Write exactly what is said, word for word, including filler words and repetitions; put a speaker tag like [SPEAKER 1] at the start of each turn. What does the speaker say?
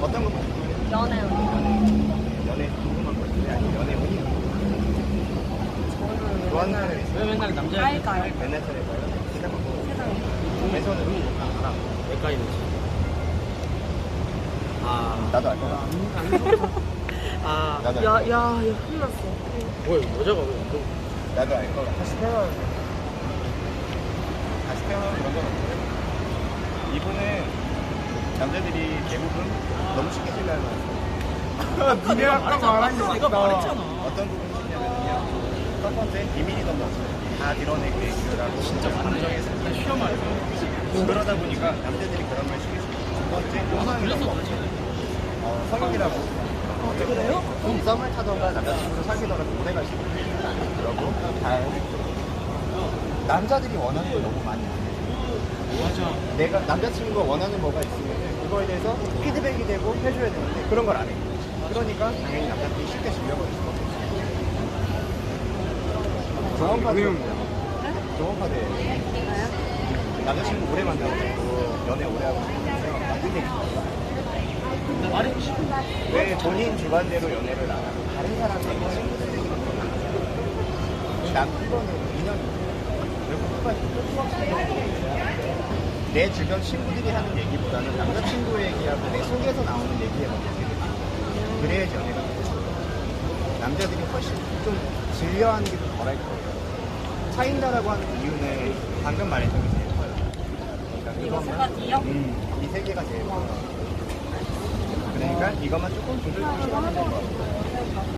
[SPEAKER 1] 어떤 거 보세요?
[SPEAKER 2] 연애.
[SPEAKER 1] 연애 궁금한 거 있어요? 아니면 연애 운이?
[SPEAKER 2] 저는
[SPEAKER 1] 좋아하는 사람 있어요?
[SPEAKER 3] 왜 맨날 남자
[SPEAKER 2] 깔까요?
[SPEAKER 1] 맨날 차례가요? 세상
[SPEAKER 2] 세상에.
[SPEAKER 1] 동해선으로
[SPEAKER 3] 알아. 내과에 있지. 아.
[SPEAKER 1] 나도 알 거야.
[SPEAKER 3] 아.
[SPEAKER 1] 나도
[SPEAKER 2] 야,
[SPEAKER 1] 알
[SPEAKER 2] 야,
[SPEAKER 1] 거야.
[SPEAKER 2] 야, 혼났어.
[SPEAKER 3] 뭐야 여자가 왜 또?
[SPEAKER 1] 나도 알 거야. 다시 태어나는 거. 다시 태어나는 그런 건 없어요. 이분은 남자들이 대부분 너무 쉽게 신뢰하는 것 같아요.
[SPEAKER 3] 내가 말했잖아. 내가 말했잖아.
[SPEAKER 1] 어떤 부분이 있냐면요. 첫 번째, 비밀이던 거 없어요. 다 드러내고 얘기를 하고 진짜 감정에서 다 쉬어 말해요. 그러다 보니까 남자들이 그런 걸 쉽게 쓰고 두 번째, 용서이던 거 없어요. 어, 성격이라고. 어, 그래요? 썸을 타던가 남자친구를 사귀더라도 오래 갈 수 있어요. 그러고 잘 남자들이 원하는 걸 너무 많이 안 해요.
[SPEAKER 3] 맞아.
[SPEAKER 1] 내가 남자친구가 원하는 뭐가 있으면 그거에 대해서 피드백이 되고 해줘야 되는데 그런 걸 안 해요. 그러니까 당연히 남자들이 쉽게 질려버릴 수밖에 없어요. 조언 카드예요. 조언 카드예요. 남자친구 오래 만나고 연애 오래 하고 싶으면서 나쁜 얘기
[SPEAKER 3] 나 말했지.
[SPEAKER 1] 왜 본인 주관대로 연애를 안 하고 다른 사람에게 친구들 얘기를 하는 남 이거는 인연이에요. 왜 국가에서 내 주변 친구들이 하는 얘기보다는 남자친구 얘기하고 내 속에서 나오는 얘기에 먼저 들으세요. 그래야지 연애가 돼요. 남자들이 훨씬 좀 질려하는 게 좀 덜할 거예요. 차인다라고 하는 이유는 방금 말했던 게 제일 커요. 그러니까
[SPEAKER 2] 이거 세
[SPEAKER 1] 이것만-
[SPEAKER 2] 가지요?
[SPEAKER 1] 음, 이 세 개가 제일 커요. 그러니까 이것만 조금 조절해주시면 될것 같아요.